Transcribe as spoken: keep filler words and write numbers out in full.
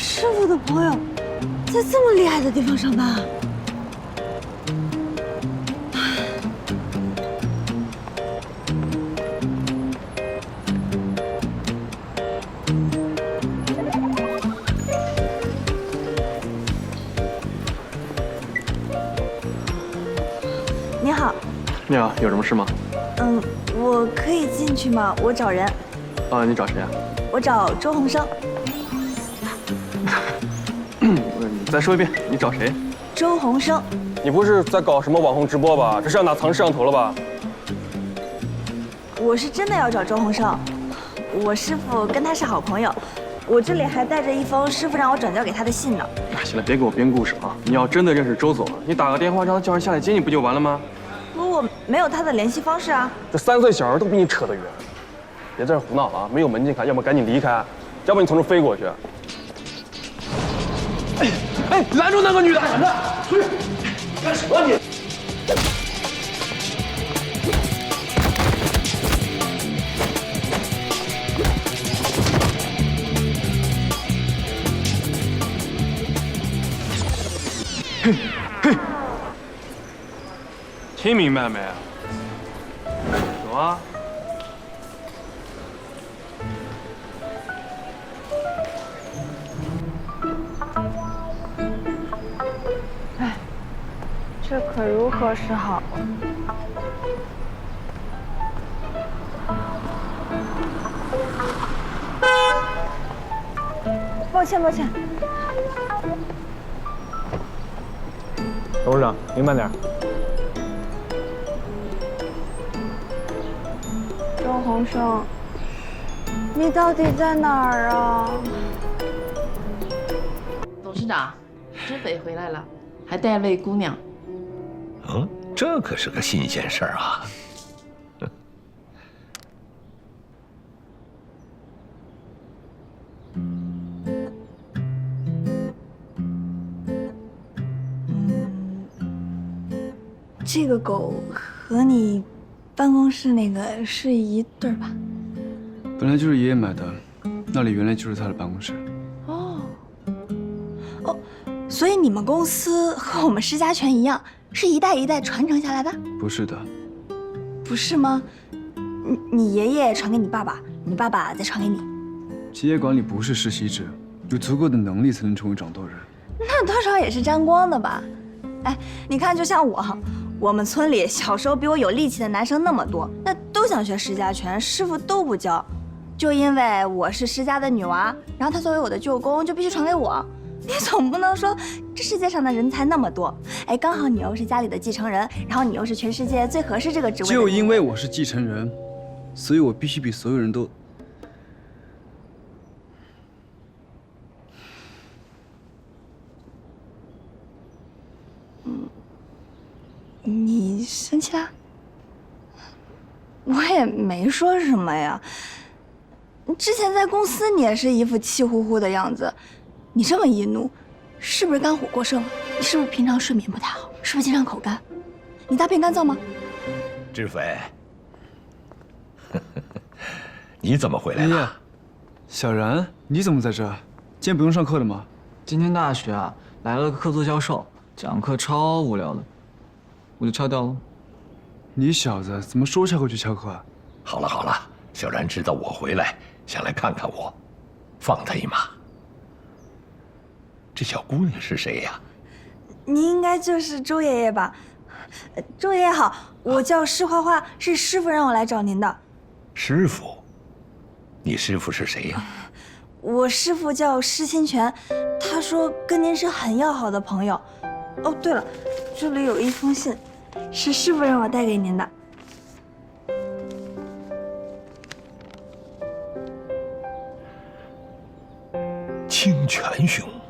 师傅的朋友在这么厉害的地方上班啊？你好。 你好，有什么事吗？ 嗯，我可以进去吗？我找人。 啊，你找谁啊？ 我找周鸿生。 你再说一遍，你找谁？ 周鸿生。 你不是在搞什么网红直播吧？这是要拿藏摄像头了吧？ 我是真的要找周鸿生，我师傅跟他是好朋友，我这里还带着一封师傅让我转交给他的信呢。 哎，行了，别给我编故事啊！你要真的认识周总，你打个电话让他叫人下来接你不就完了吗？ 可我没有他的联系方式啊。 这三岁小孩都比你扯得远，别在这胡闹了啊！没有门禁卡，要么赶紧离开，要不你从这飞过去。哎哎，拦住那个女的！闪着，出去！干什么你？嘿，嘿，听明白没？走啊！ 哎，这可如何是好？抱歉，抱歉。 董事长，您慢点。 周鸿生，你到底在哪儿啊？ 董事长，知匪回来了，还带位姑娘。 嗯，这可是个新鲜事儿啊！ 这个狗和你办公室那个是一对儿吧？ 本来就是爷爷买的，那里原来就是他的办公室。 哦，哦，所以你们公司和我们施家全一样，是一代一代传承下来的？ 不是的。 不是吗？你你爷爷传给你爸爸，你爸爸再传给你。 企业管理不是世袭制，有足够的能力才能成为掌舵人。 那多少也是沾光的吧？哎，你看，就像我，我们村里小时候比我有力气的男生那么多，那都想学施家全，师傅都不教，就因为我是施家的女娃，然后他作为我的舅公，就必须传给我。你总不能说这世界上的人才那么多，哎，刚好你又是家里的继承人，然后你又是全世界最合适这个职位的。 就因为我是继承人，所以我必须比所有人都…… 嗯，你生气啦？我也没说什么呀。之前在公司你也是一副气呼呼的样子，你这么一怒，是不是肝火过盛了？你是不是平常睡眠不太好？是不是经常口干？你大便干燥吗？ 知匪，你怎么回来了？ 了？ 小然，你怎么在这？今天不用上课了吗？ 今天大学啊来了个客座教授，讲课超无聊的，我就翘掉了。 你小子怎么说翘课就翘课啊？ 好了好了，小然知道我回来，想来看看我，放他一马。这小姑娘是谁呀？ 你应该就是周爷爷吧？周爷爷好，我叫施花花，是师傅让我来找您的。 师傅？你师傅是谁呀？ 我师傅叫施清泉，他说跟您是很要好的朋友。哦，对了，这里有一封信，是师傅让我带给您的。 清泉兄。